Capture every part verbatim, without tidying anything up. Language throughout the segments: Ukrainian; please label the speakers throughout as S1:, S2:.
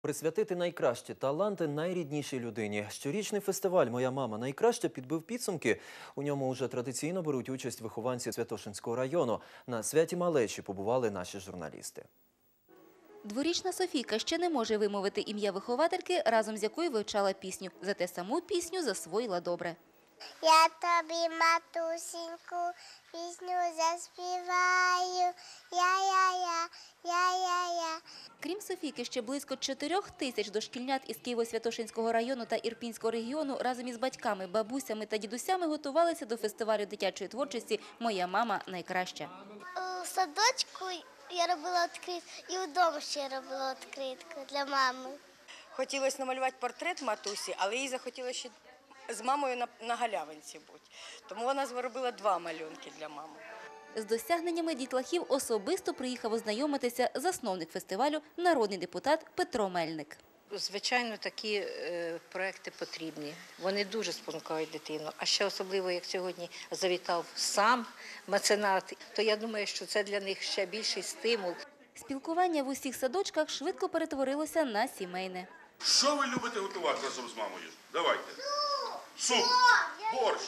S1: Присвятити найкращі таланти найріднішій людині. Щорічний фестиваль «Моя мама найкраща» підбив підсумки. У ньому вже традиційно беруть участь вихованці Святошинського району. На святі малечі побували наші журналісти.
S2: Дворічна Софійка ще не може вимовити ім'я виховательки, разом з якою вивчала пісню. Зате саму пісню засвоїла добре.
S3: Я тобі, матусіньку, пісню заспіваю, я-я-я, я-я-я.
S2: Крім Софійки, ще близько чотирьох тисяч дошкільнят із Києво-Святошинського району та Ірпінського регіону разом із батьками, бабусями та дідусями готувалися до фестивалю дитячої творчості «Моя мама найкраща».
S3: У садочку я робила відкритку і вдома ще робила відкритку для мами.
S4: Хотілося намалювати портрет матусі, але їй захотілося ще з мамою на, на галявинці бути. Тому вона зробила два малюнки для мами.
S2: З досягненнями дітлахів особисто приїхав ознайомитися засновник фестивалю, народний депутат Петро Мельник.
S5: Звичайно, такі е, проекти потрібні. Вони дуже спонукають дитину. А ще особливо, як сьогодні завітав сам меценат, то я думаю, що це для них ще більший стимул.
S2: Спілкування в усіх садочках швидко перетворилося на сімейне.
S6: Що ви любите готувати разом з мамою? Давайте. Суп, борщ,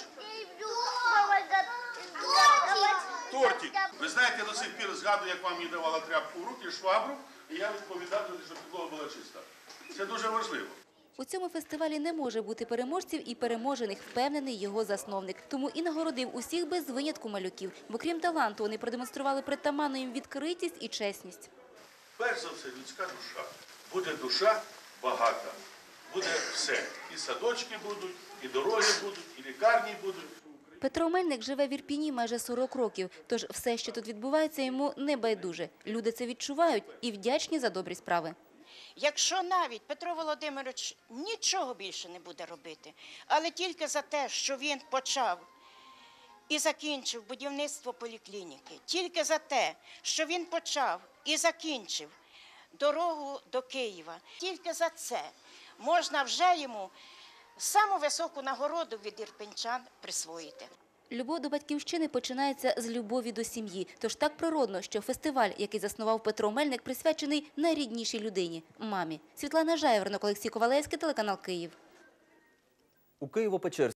S6: тортик. Ви знаєте, я до сих пір згадую, як вам мені давала тряпку в руки, швабру, і я відповідав, щоб підлога була чиста. Це дуже важливо.
S2: У цьому фестивалі не може бути переможців і переможених, впевнений його засновник. Тому і нагородив усіх без винятку малюків. Бо крім таланту, вони продемонстрували притаманну їм відкритість і чесність.
S6: Перш за все, людська душа. Буде душа багата. Буде все. І садочки будуть, і дороги будуть, і лікарні будуть.
S2: Петро Мельник живе в Ірпіні майже сорок років, тож все, що тут відбувається, йому не байдуже. Люди це відчувають і вдячні за добрі справи.
S7: Якщо навіть Петро Володимирович нічого більше не буде робити, але тільки за те, що він почав і закінчив будівництво поліклініки, тільки за те, що він почав і закінчив дорогу до Києва, тільки за це можна вже йому саму високу нагороду від ірпінчан присвоїти.
S2: Любов до батьківщини починається з любові до сім'ї. Тож так природно, що фестиваль, який заснував Петро Мельник, присвячений найріднішій людині – мамі. Світлана Жайворонок, Олексій Ковалевський, телеканал «Київ».
S1: У Києво-Печерській